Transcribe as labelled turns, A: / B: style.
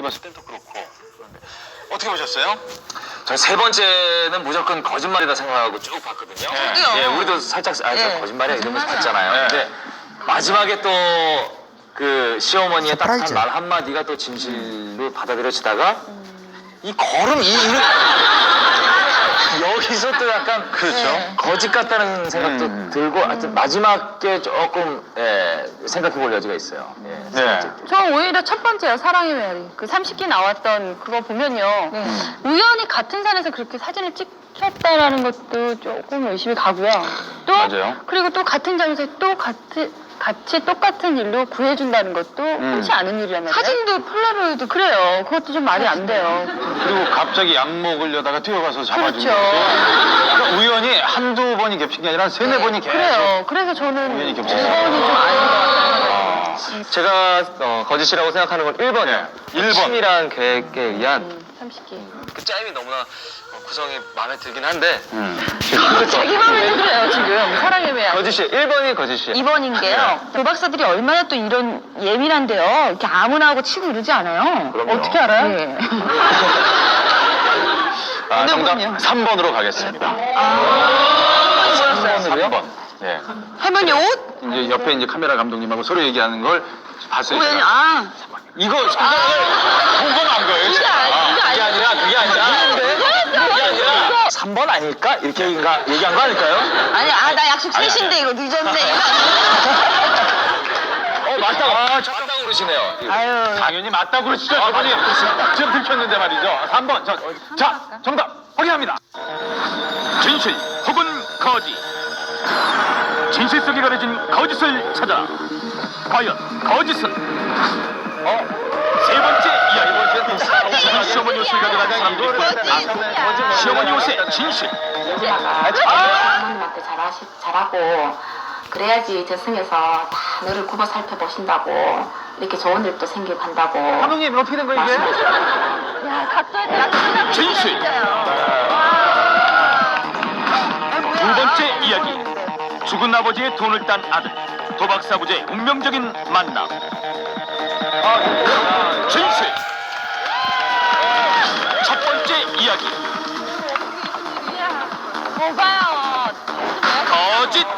A: 봤을 땐 또 그렇고. 그런데 어떻게 보셨어요?
B: 전 세 번째는 무조건 거짓말이다 생각하고 쭉 봤거든요.
C: 저도요.
B: 예, 우리도 살짝 저
C: 네.
B: 거짓말이야 이러면서
C: 거짓말이야.
B: 봤잖아요.
A: 네.
B: 근데 마지막에 또 그 시어머니의
D: 서프라이즈.
B: 따뜻한 말 한마디가 또 진실로 받아들여지다가 이 걸음 여기서 또 약간
A: 그렇죠.
B: 거짓 같다는 생각도 들고 하여튼 마지막에 조금 생각해 볼 여지가 있어요. 예, 세
A: 네.
B: 번째.
E: 저 오히려 첫 번째요. 사랑의 메아리. 그 30기 나왔던 그거 보면요. 우연히 같은 산에서 그렇게 사진을 찍혔다라는 것도 조금 의심이 가고요. 또
A: 맞아요.
E: 그리고 또 같은 장소에 또 같이 똑같은 일로 구해준다는 것도 흔치 않은 일이란 말이에요. 사진도 폴라로이드 그래요. 그것도 좀 말이 안 돼요.
A: 그리고 갑자기 약 먹으려다가 뛰어가서 잡아준
E: 그렇죠.
A: 것도 그러니까 우연히 한두 번이 겹친 게 아니라 세네 번이 계속.
E: 그래요. 그래서 저는
A: 우연히
E: 2번이
A: 겹쳤어요.
E: 좀 아닌 것 같아요.
B: 제가 거짓이라고 생각하는 건 1번이에요.
A: 네, 1번.
B: 치밀한 계획에 의한
E: 30기.
B: 그 짜임이 너무나 구성이 마음에 들긴 한데
E: 자기 맘을 그래요, 지금. 사랑의 메아리.
B: 거짓이 1번이 거짓이에요.
E: 2번인 게요. 도박사들이 얼마나 또 이런 예민한데요. 이렇게 아무나 하고 치고 이러지 않아요.
B: 그럼요.
E: 어떻게 알아요? 네.
A: 정답
E: 분이요?
A: 3번으로 가겠습니다. 3번. 예.
C: 할머니 옷?
A: 이제 옆에 이제 카메라 감독님하고 서로 얘기하는 걸 봤어요.
C: 우연히
A: 제가.
C: 아.
A: 이거 손가락을 보고 난 거예요.
E: 그게
A: 제가.
E: 그게 아니라
B: 그게 아니라 3번 아닐까? 이렇게 얘기한 거 아닐까요?
C: 아니 나 약속 3시인데 이거 늦었네.
B: 맞다고 그러시네요.
E: 아유.
A: 당연히 맞다고 그러시죠. 저번에 지금 들켰는데 말이죠. 3번. 자, 정답 확인합니다. 진실 혹은 거짓. 진실 속에 가려진 거짓을 찾아라. 과연 거짓은? 세 번째 이야기. 시어머니 옷을 가져간 사람들이 시어머니 옷의 진실.
F: 어머님한테 잘하고 그래야지 저승에서 다 너를 굽어 살펴보신다고 이렇게 좋은 일도 생기고 한다고.
A: 감독님 어떻게 된 거예요 이게?
E: 야, 각도에
A: 진실. 두 번째 이야기. 죽은 아버지의 돈을 딴 아들. 도박사부제의 운명적인 만남. 진실. 첫 번째 이야기.
E: 뭐가요?
A: 거짓.